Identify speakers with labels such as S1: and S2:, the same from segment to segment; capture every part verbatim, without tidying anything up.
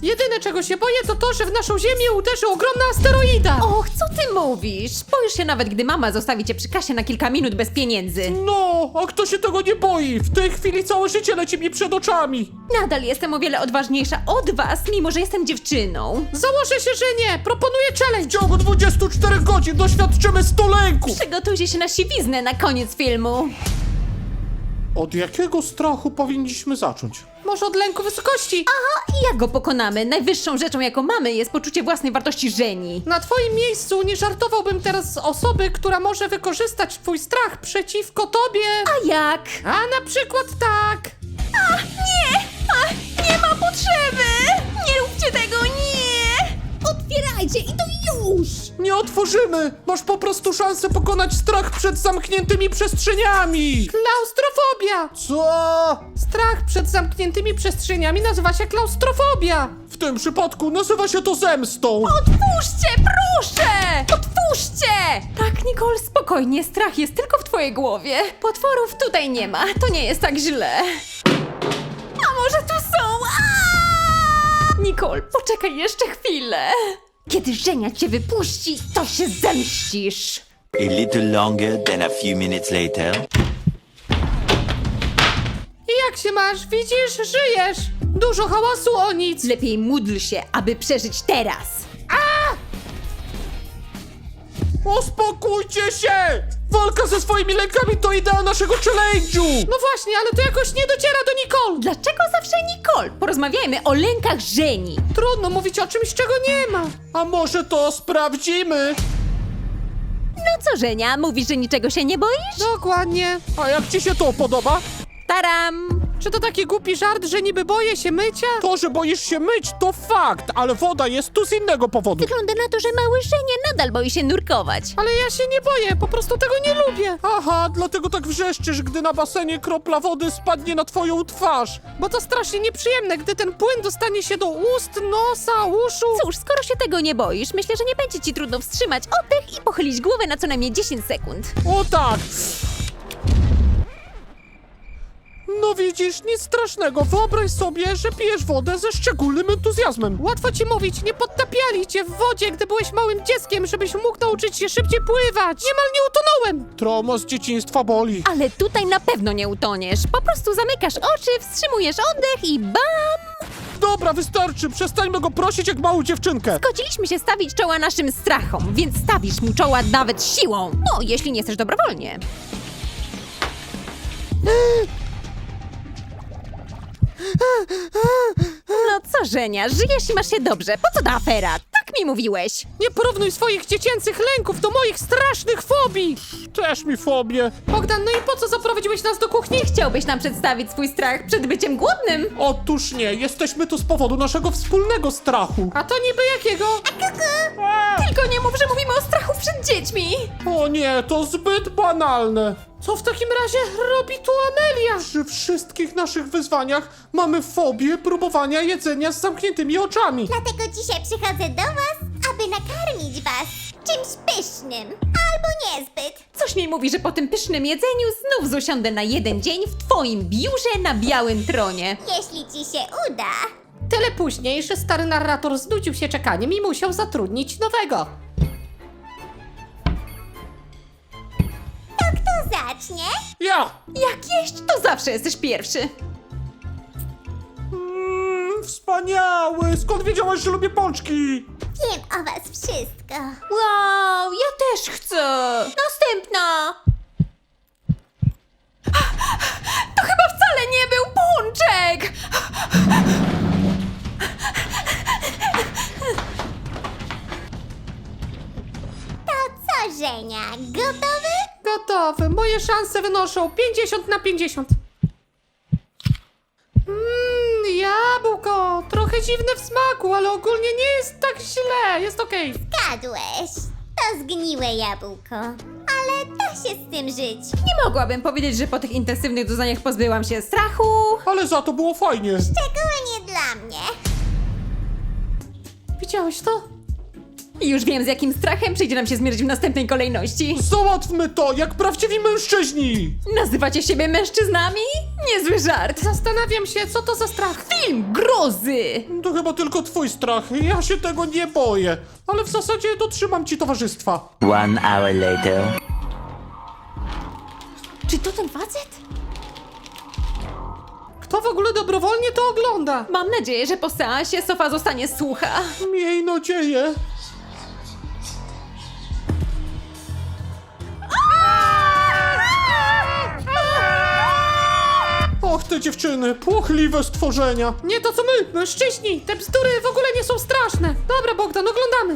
S1: Jedyne czego się boję to to, że w naszą ziemię uderzy ogromna asteroida.
S2: Och, co ty mówisz? Boisz się nawet, gdy mama zostawi cię przy kasie na kilka minut bez pieniędzy.
S3: No, a kto się tego nie boi? W tej chwili całe życie leci mi przed oczami.
S2: Nadal jestem o wiele odważniejsza od was, mimo że jestem dziewczyną.
S1: Założę się, że nie. Proponuję
S3: W
S1: challenge.
S3: ciągu dwudziestu czterech godzin doświadczymy stu lęków.
S2: Przygotujcie się na siwiznę na koniec filmu.
S3: Od jakiego strachu powinniśmy zacząć?
S1: Może od lęku wysokości.
S2: Aha, i jak go pokonamy? Najwyższą rzeczą, jaką mamy, jest poczucie własnej wartości żeni.
S1: Na twoim miejscu nie żartowałbym teraz z osoby, która może wykorzystać twój strach przeciwko tobie.
S2: A jak?
S1: A na przykład tak.
S2: Nie! A, nie ma potrzeby! Nie róbcie tego, nie! Otwierajcie i to już!
S3: Nie otworzymy! Masz po prostu szansę pokonać strach przed zamkniętymi przestrzeniami!
S1: Klaustrofobia.
S3: Co?
S1: Strach przed zamkniętymi przestrzeniami nazywa się klaustrofobia.
S3: W tym przypadku nazywa się to zemstą!
S2: Otwórzcie, proszę! Otwórzcie! Tak, Nicole, spokojnie, strach jest tylko w twojej głowie. Potworów tutaj nie ma, to nie jest tak źle. A może tu są? Aaaa! Nicole, poczekaj jeszcze chwilę. Kiedy Żenia cię wypuści, to się zemścisz.
S4: A little longer than a few minutes later.
S1: I jak się masz? Widzisz? Żyjesz. Dużo hałasu o nic.
S2: Lepiej módl się, aby przeżyć teraz.
S3: Uspokójcie się! Walka ze swoimi lękami to idea naszego challenge'u!
S1: No właśnie, ale to jakoś nie dociera do Nicole.
S2: Dlaczego zawsze Nicole? Porozmawiajmy o lękach Żeni.
S1: Trudno mówić o czymś, czego nie ma.
S3: A może to sprawdzimy?
S2: No co, Żenia, mówisz, że niczego się nie boisz?
S1: Dokładnie.
S3: A jak ci się to podoba?
S2: Taram!
S1: Czy to taki głupi żart, że niby boję się mycia?
S3: To, że boisz się myć, to fakt, ale woda jest tu z innego powodu.
S2: Wygląda na to, że mały Żenia nadal boi się nurkować.
S1: Ale ja się nie boję, po prostu tego nie lubię.
S3: Aha, dlatego tak wrzeszczysz, gdy na basenie kropla wody spadnie na twoją twarz.
S1: Bo to strasznie nieprzyjemne, gdy ten płyn dostanie się do ust, nosa, uszu.
S2: Cóż, skoro się tego nie boisz, myślę, że nie będzie ci trudno wstrzymać oddech i pochylić głowę na co najmniej dziesięć sekund.
S3: O tak! No widzisz, nic strasznego. Wyobraź sobie, że pijesz wodę ze szczególnym entuzjazmem.
S1: Łatwo ci mówić, nie podtapiali cię w wodzie, gdy byłeś małym dzieckiem, żebyś mógł nauczyć się szybciej pływać. Niemal nie utonąłem.
S3: Trauma z dzieciństwa boli.
S2: Ale tutaj na pewno nie utoniesz. Po prostu zamykasz oczy, wstrzymujesz oddech i bam!
S3: Dobra, wystarczy. Przestańmy go prosić jak małą dziewczynkę.
S2: Zgodziliśmy się stawić czoła naszym strachom, więc stawisz mu czoła nawet siłą. No, jeśli nie chcesz dobrowolnie. No co, Żenia, żyjesz i masz się dobrze. Po co ta afera? Tak mi mówiłeś.
S1: Nie porównuj swoich dziecięcych lęków do moich strasznych fobii.
S3: Też mi fobię.
S1: Bogdan, no i po co zaprowadziłeś nas do kuchni?
S2: Nie chciałbyś nam przedstawić swój strach przed byciem głodnym?
S3: Otóż nie, jesteśmy tu z powodu naszego wspólnego strachu.
S1: A to niby jakiego?
S2: Tylko nie mów, że mówimy o strachu przed dziećmi.
S3: O nie, to zbyt banalne.
S1: Co w takim razie robi tu Amelia?
S3: Przy wszystkich naszych wyzwaniach mamy fobię próbowania jedzenia z zamkniętymi oczami.
S5: Dlatego dzisiaj przychodzę do was, aby nakarmić was czymś pysznym. Albo niezbyt.
S2: Coś mi mówi, że po tym pysznym jedzeniu znów zosiądę na jeden dzień w twoim biurze na białym tronie.
S5: Jeśli ci się uda.
S1: Tyle później, że stary narrator znudził się czekaniem i musiał zatrudnić nowego.
S5: To kto zacznie?
S3: Ja!
S2: Jak jeść, to zawsze jesteś pierwszy.
S3: Mm, wspaniały! Skąd wiedziałaś, że lubię pączki?
S5: Wiem o was wszystko.
S2: Wow, ja też chcę. Następna. To chyba wcale nie był pączek.
S5: To co, Żenia? Gotowy?
S1: Gotowy. Moje szanse wynoszą pięćdziesiąt na pięćdziesiąt. Mmm, jabłko. Trochę dziwne w smaku, ale ogólnie nie jest tak źle. Jest okej.
S5: Zgadłeś. To zgniłe jabłko. Ale da się z tym żyć.
S2: Nie mogłabym powiedzieć, że po tych intensywnych doznaniach pozbyłam się strachu.
S3: Ale za to było fajnie.
S5: Szczególnie dla mnie.
S1: Widziałeś to?
S2: I już wiem, z jakim strachem przyjdzie nam się zmierzyć w następnej kolejności.
S3: Załatwmy to jak prawdziwi mężczyźni!
S2: Nazywacie siebie mężczyznami? Niezły żart.
S1: Zastanawiam się, co to za strach.
S2: Film grozy.
S3: To chyba tylko twój strach. Ja się tego nie boję. Ale w zasadzie dotrzymam ci towarzystwa.
S4: One hour later.
S2: Czy to ten facet?
S1: Kto w ogóle dobrowolnie to ogląda?
S2: Mam nadzieję, że po seansie Sofa zostanie słucha.
S3: Miej nadzieję. Och, te dziewczyny, płochliwe stworzenia.
S1: Nie to co my, mężczyźni. Te bzdury w ogóle nie są straszne. Dobra, Bogdan, oglądamy.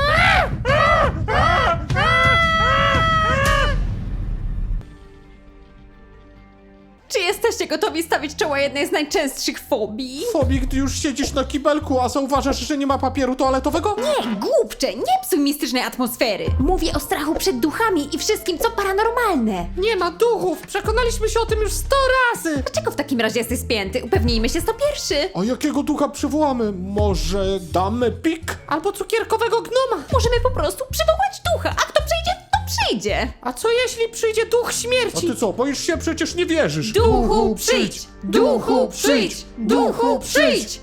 S2: Czy jesteście gotowi stawić czoła jednej z najczęstszych fobii?
S3: Fobii, gdy już siedzisz na kibelku, a zauważasz, że nie ma papieru toaletowego?
S2: Nie, głupcze, nie psuj mistycznej atmosfery. Mówię o strachu przed duchami i wszystkim, co paranormalne.
S1: Nie ma duchów. Przekonaliśmy się o tym już sto razy.
S2: Dlaczego w takim razie jesteś spięty? Upewnijmy się sto pierwszy.
S3: A jakiego ducha przywołamy? Może damy pik?
S1: Albo cukierkowego gnoma.
S2: Możemy po prostu przywołać ducha, a kto przyjdzie, to przyjdzie.
S1: A co jeśli przyjdzie duch
S3: A
S1: śmierci?
S3: ty co, boisz się? Przecież nie wierzysz.
S2: Duchu, przyjdź! Duchu, przyjdź! Duchu, przyjdź!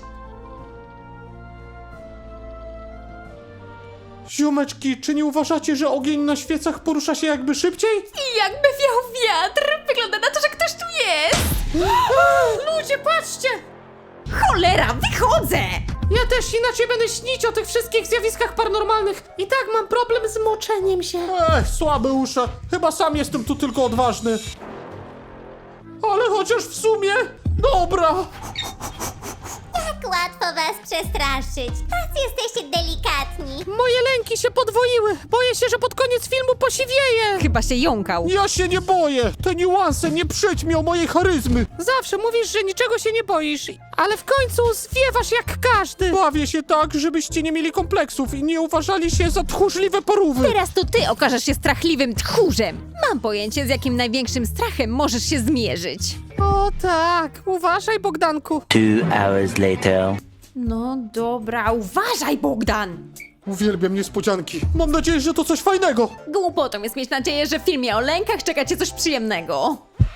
S3: Ziomeczki, czy nie uważacie, że ogień na świecach porusza się jakby szybciej?
S2: I jakby wiał wiatr, wygląda na to, że ktoś tu jest.
S1: Ludzie, patrzcie!
S2: Cholera, wychodzę!
S1: Ja też inaczej będę śnić o tych wszystkich zjawiskach paranormalnych. I tak mam problem z moczeniem się.
S3: Ech, słabe usze. Chyba sam jestem tu tylko odważny. Ale chociaż w sumie... Dobra.
S5: Tak łatwo was przestraszyć. Tacy jesteście delikatni.
S1: Moje lęki się podwoiły. Boję się, że pod koniec filmu posiwieję.
S2: Chyba się jąkał.
S3: Ja się nie boję. Te niuanse nie przyćmią mojej charyzmy.
S1: Zawsze mówisz, że niczego się nie boisz, ale w końcu zwiewasz jak każdy.
S3: Bawię się tak, żebyście nie mieli kompleksów i nie uważali się za tchórzliwe porówy.
S2: Teraz to ty okażesz się strachliwym tchórzem. Mam pojęcie, z jakim największym strachem możesz się zmierzyć.
S1: O tak, uważaj, Bogdanku.
S4: Two hours later.
S2: No dobra, uważaj, Bogdan!
S3: Uwielbiam niespodzianki. Mam nadzieję, że to coś fajnego.
S2: Głupotą jest mieć nadzieję, że w filmie o lękach czeka cię coś przyjemnego.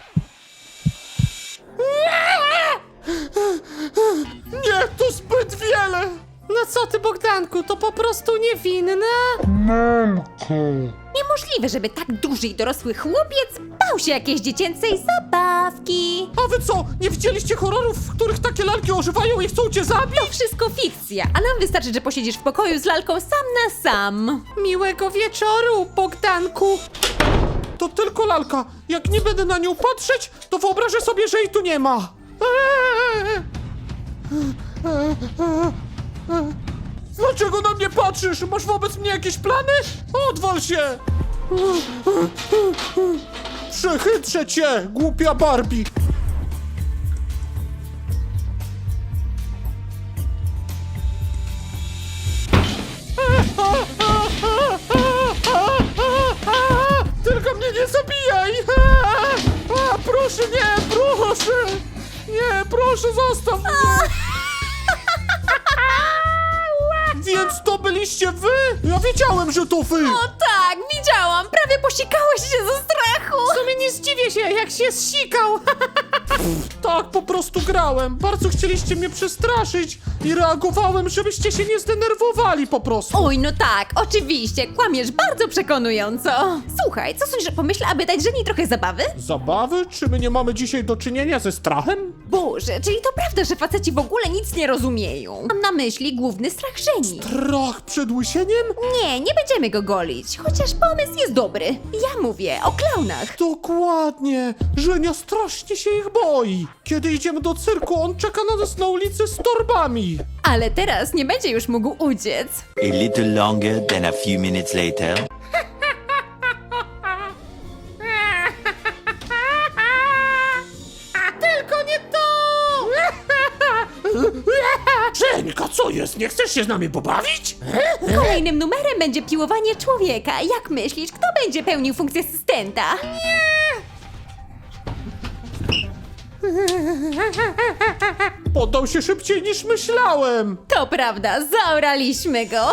S3: Nie, to zbyt wiele.
S1: No co ty, Bogdanku, to po prostu niewinne.
S2: Niemożliwe, żeby tak duży i dorosły chłopiec bał się jakiejś dziecięcej zabawki.
S3: A wy co, nie widzieliście horrorów, w których takie lalki ożywają i chcą cię zabić?
S2: To wszystko fikcja, a nam wystarczy, że posiedzisz w pokoju z lalką sam na sam.
S1: Miłego wieczoru, Bogdanku.
S3: To tylko lalka. Jak nie będę na nią patrzeć, to wyobrażę sobie, że jej tu nie ma. Dlaczego na mnie patrzysz? Masz wobec mnie jakieś plany? Odwal się! Przechytrzę cię, głupia Barbie! Tylko mnie nie zabijaj! A, proszę, nie, proszę! Nie, proszę, zostaw mnie! Więc to byliście wy? Ja wiedziałem, że to wy!
S2: O tak, widziałam, prawie posikałeś się ze strachu.
S1: W sumie nie zdziwię się, jak się zsikał.
S3: Tak, po prostu grałem. Bardzo chcieliście mnie przestraszyć i reagowałem, żebyście się nie zdenerwowali po prostu.
S2: Oj, no tak, oczywiście, kłamiesz bardzo przekonująco. Słuchaj, co sądzisz o pomyśle, aby dać żeni trochę zabawy?
S3: Zabawy? Czy my nie mamy dzisiaj do czynienia ze strachem?
S2: Boże, czyli to prawda, że faceci w ogóle nic nie rozumieją. Mam na myśli główny strach żeni.
S3: Strach przed łysieniem?
S2: Nie, nie będziemy go golić, chociaż pomysł jest dobry. Ja mówię o klaunach.
S3: Dokładnie. Żenia strasznie się ich boi. Kiedy idziemy do cyrku, on czeka na nas na ulicy z torbami.
S2: Ale teraz nie będzie już mógł uciec.
S4: A little longer than a few minutes later.
S1: Tylko nie to!
S3: Żeńka, co jest? Nie chcesz się z nami pobawić?
S2: Kolejnym numerem będzie piłowanie człowieka. Jak myślisz, kto będzie pełnił funkcję asystenta?
S3: Poddał się szybciej niż myślałem.
S2: To prawda, zaoraliśmy go.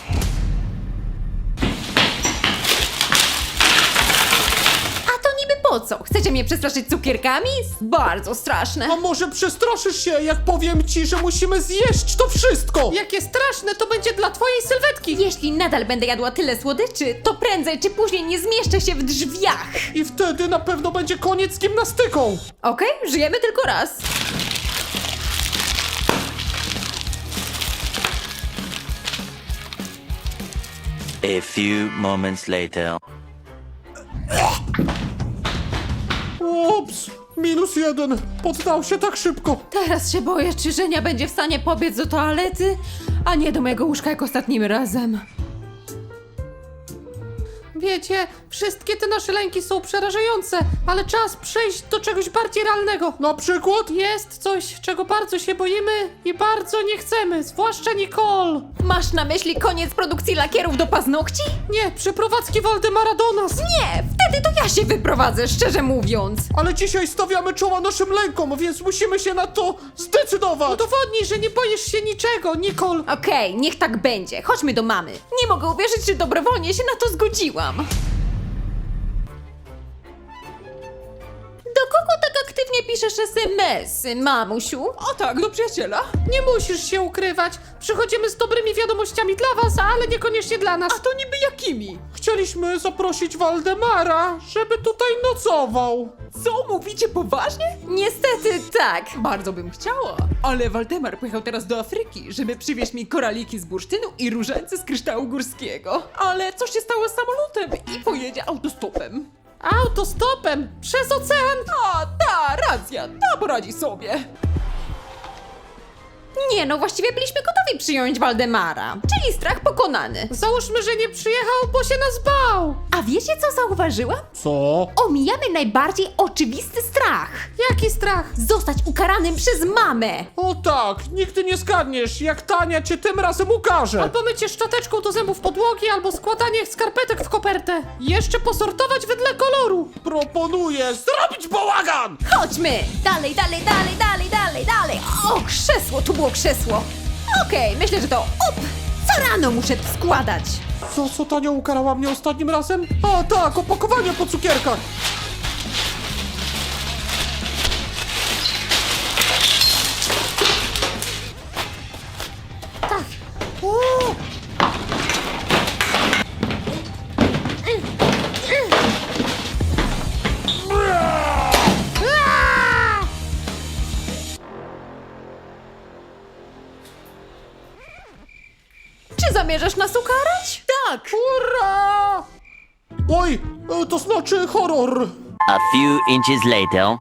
S2: A to niby po Po co? Chcecie mnie przestraszyć cukierkami? Bardzo straszne.
S3: A może przestraszysz się, jak powiem ci, że musimy zjeść to wszystko?
S1: Jakie straszne to będzie dla twojej sylwetki!
S2: Jeśli nadal będę jadła tyle słodyczy, to prędzej czy później nie zmieszczę się w drzwiach.
S3: I wtedy na pewno będzie koniec z gimnastyką.
S2: Okej, żyjemy tylko raz.
S4: A few moments later.
S3: Ups, minus jeden. Poddał się tak szybko.
S2: Teraz się boję, czy Żenia będzie w stanie pobiec do toalety, a nie do mojego łóżka jak ostatnim razem.
S1: Wiecie, wszystkie te nasze lęki są przerażające, ale czas przejść do czegoś bardziej realnego.
S3: Na przykład?
S1: Jest coś, czego bardzo się boimy i bardzo nie chcemy, zwłaszcza Nicole.
S2: Masz na myśli koniec produkcji lakierów do paznokci?
S1: Nie, przeprowadzki Waldemara do nas.
S2: Nie, wtedy to ja się wyprowadzę, szczerze mówiąc.
S3: Ale dzisiaj stawiamy czoła naszym lękom, więc musimy się na to zdecydować.
S1: Udowodnij, że nie boisz się niczego, Nicole.
S2: Okej, niech tak będzie. Chodźmy do mamy. Nie mogę uwierzyć, że dobrowolnie się na to zgodziłam. Do kogo tak aktywnie piszesz es em esy, mamusiu?
S1: O tak, do przyjaciela. Nie musisz się ukrywać. Przychodzimy z dobrymi wiadomościami dla was, ale niekoniecznie dla nas. A to niby jakimi?
S3: Chcieliśmy zaprosić Waldemara, żeby tutaj nocował.
S6: Co, mówicie poważnie?
S2: Niestety tak.
S6: Bardzo bym chciała, ale Waldemar pojechał teraz do Afryki, żeby przywieźć mi koraliki z bursztynu i różańce z kryształu górskiego. Ale co się stało z samolotem i pojedzie autostopem.
S1: Autostopem przez ocean.
S6: A, ta, racja, ta poradzi sobie.
S2: Nie no, właściwie byliśmy gotowi przyjąć Waldemara. Czyli strach pokonany.
S1: Załóżmy, że nie przyjechał, bo się nas bał.
S2: A wiecie co zauważyłam?
S3: Co?
S2: Omijamy najbardziej oczywisty strach.
S1: Jaki strach?
S2: Zostać ukaranym przez mamę.
S3: O tak, nigdy nie zgadniesz, jak Tania cię tym razem ukaże.
S1: Albo mycie szczoteczką do zębów podłogi, albo składanie skarpetek w kopertę. Jeszcze posortować wedle koloru.
S3: Proponuję zrobić bałagan!
S2: Chodźmy! Dalej, dalej, dalej, dalej, dalej, dalej! O, krzesło, tu było krzesło! Okej, myślę, że to up! Co rano muszę tu składać?
S3: Co, co Tania ukarała mnie ostatnim razem? A tak, opakowanie po cukierkach.
S1: Tak. O! Aaa!
S2: Czy zamierzasz nas ukarać?
S6: Tak!
S3: Ura! Oj, e, to znaczy horror.
S4: A few inches later.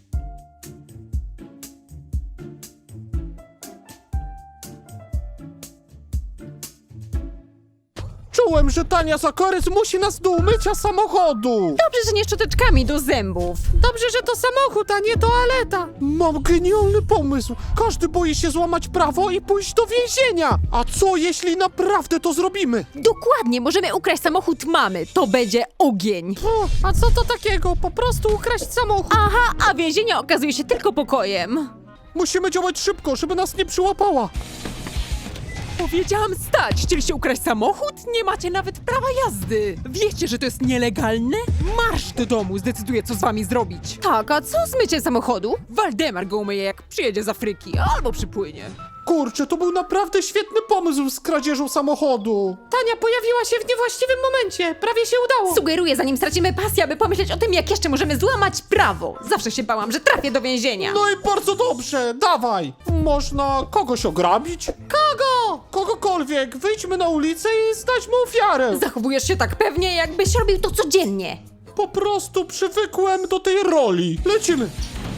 S3: Czułem, że Tania Zakarys musi nas do umycia samochodu.
S2: Dobrze, że nie szczoteczkami do zębów.
S1: Dobrze, że to samochód, a nie toaleta.
S3: Mam genialny pomysł. Każdy boi się złamać prawo i pójść do więzienia. A co jeśli naprawdę to zrobimy?
S2: Dokładnie, możemy ukraść samochód mamy. To będzie ogień.
S1: O, a co to takiego? Po prostu ukraść samochód.
S2: Aha, a więzienie okazuje się tylko pokojem.
S3: Musimy działać szybko, żeby nas nie przyłapała.
S6: Powiedziałam stać! Chcieliście ukraść samochód? Nie macie nawet prawa jazdy! Wiecie, że to jest nielegalne? Marsz do domu, zdecyduję, co z wami zrobić.
S2: Tak, a co z myciem samochodu?
S6: Waldemar go umyje, jak przyjedzie z Afryki, albo przypłynie.
S3: Kurczę, to był naprawdę świetny pomysł z kradzieżą samochodu.
S1: Tania pojawiła się w niewłaściwym momencie. Prawie się udało.
S2: Sugeruję, zanim stracimy pasję, aby pomyśleć o tym, jak jeszcze możemy złamać prawo. Zawsze się bałam, że trafię do więzienia.
S3: No i bardzo dobrze, dawaj. Można kogoś ograbić?
S1: Kogo?
S3: Kogokolwiek, wyjdźmy na ulicę i znajdźmy ofiarę.
S2: Zachowujesz się tak pewnie, jakbyś robił to codziennie.
S3: Po prostu przywykłem do tej roli. Lecimy.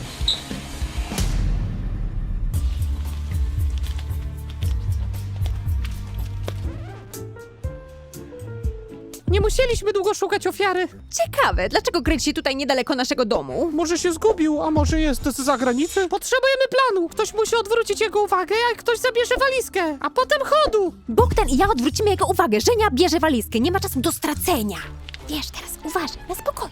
S1: Nie musieliśmy długo szukać ofiary.
S2: Ciekawe, dlaczego kręci się tutaj niedaleko naszego domu?
S3: Może się zgubił, a może jest z zagranicy?
S1: Potrzebujemy planu. Ktoś musi odwrócić jego uwagę, a ktoś zabierze walizkę. A potem chodu.
S2: Bogdan i ja odwrócimy jego uwagę. Żenia bierze walizkę, nie ma czasu do stracenia. Wiesz, teraz uważaj, na spokojnie.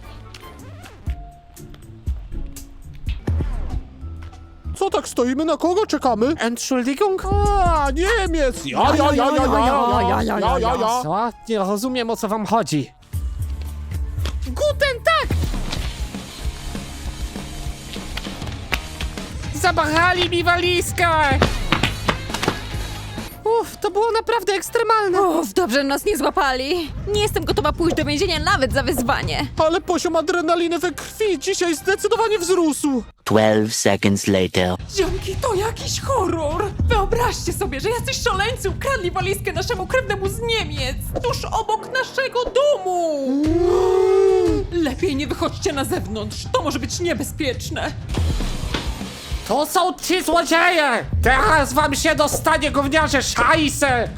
S3: Co tak stoimy? Na kogo czekamy?
S1: Entschuldigung?
S3: A, Niemiec! Ja, ja, ja, ja, ja, ja, ja, ja, ja.
S1: Co? Nie rozumiem, o co wam chodzi. Guten tak! zamachali mi walizkę! Uff, to było naprawdę ekstremalne.
S2: Uff, dobrze, że nas nie złapali. Nie jestem gotowa pójść do więzienia nawet za wyzwanie.
S3: Ale poziom adrenaliny we krwi dzisiaj zdecydowanie wzrósł.
S4: Twelve seconds later.
S6: Ziomki, to jakiś horror! Wyobraźcie sobie, że jacyś szaleńcy ukradli walizkę naszemu krewnemu z Niemiec, tuż obok naszego domu! Lepiej nie wychodźcie na zewnątrz, to może być niebezpieczne.
S1: To są ci złodzieje! Teraz wam się dostanie, gówniarze szajse!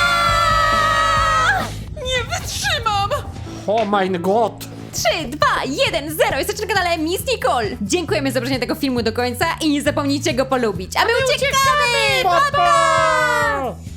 S6: Nie wytrzymam!
S1: Oh mein Gott!
S2: trzy, dwa, jeden, zero. Jesteście na kanale Miss Nicole. Dziękujemy za obejrzenie tego filmu do końca i nie zapomnijcie go polubić. A my uciekamy!
S1: Pa, pa!